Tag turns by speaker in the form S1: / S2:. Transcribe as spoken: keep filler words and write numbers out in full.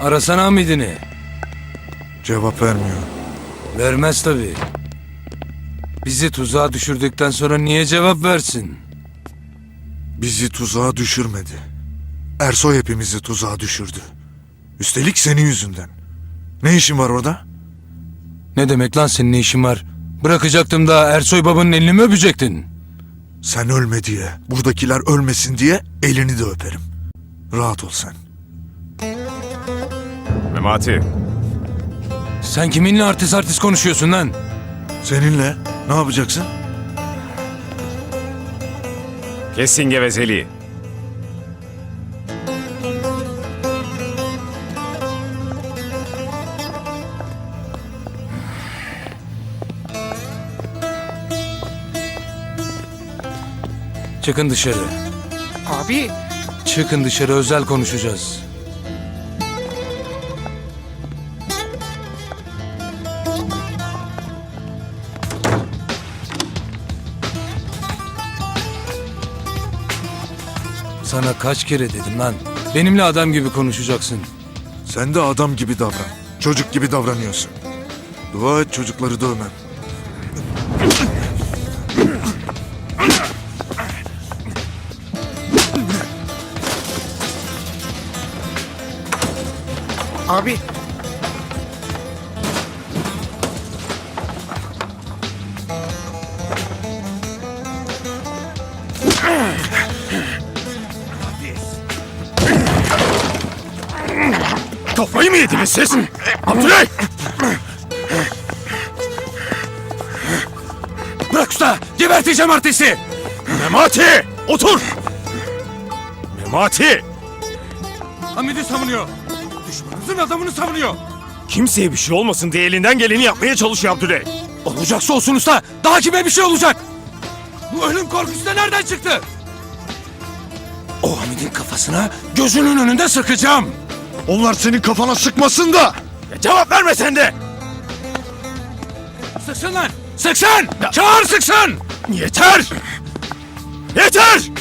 S1: Arasana Hamid'ini.
S2: Cevap vermiyor.
S1: Vermez tabii. Bizi tuzağa düşürdükten sonra niye cevap versin?
S2: Bizi tuzağa düşürmedi. Ersoy hepimizi tuzağa düşürdü. Üstelik senin yüzünden. Ne işin var orada?
S1: Ne demek lan senin ne işin var? Bırakacaktım da Ersoy babanın elini mi öpecektin?
S2: Sen ölme diye, buradakiler ölmesin diye elini de öperim. Rahat ol sen.
S3: Memati.
S1: Sen kiminle artist artist konuşuyorsun lan?
S2: Seninle ne yapacaksın?
S3: Kesin gevezeliği.
S1: Çıkın dışarı.
S4: Abi.
S1: Çıkın dışarı, özel konuşacağız. Sana kaç kere dedim lan. Benimle adam gibi konuşacaksın.
S2: Sen de adam gibi davran. Çocuk gibi davranıyorsun. Dua et çocukları dövmem.
S4: Abi.
S3: Kafayı mı yediniz siz? Abdülay!
S1: Bırak usta! Geberteceğim artisti!
S3: Memati! Otur! Memati!
S1: Hamid'i savunuyor. Düşmanımızın adamını savunuyor.
S3: Kimseye bir şey olmasın diye elinden geleni yapmaya çalışıyor Abdülay.
S1: Olacaksa olsun usta. Daha kime bir şey olacak? Bu ölüm korkusu da nereden çıktı? O Hamid'in kafasına gözünün önünde sıkacağım.
S2: Onlar senin kafana sıkmasın da!
S3: Ya cevap verme sen de!
S1: Sıksın lan! Sıksın! Çağır sıksın!
S3: Yeter! Yeter!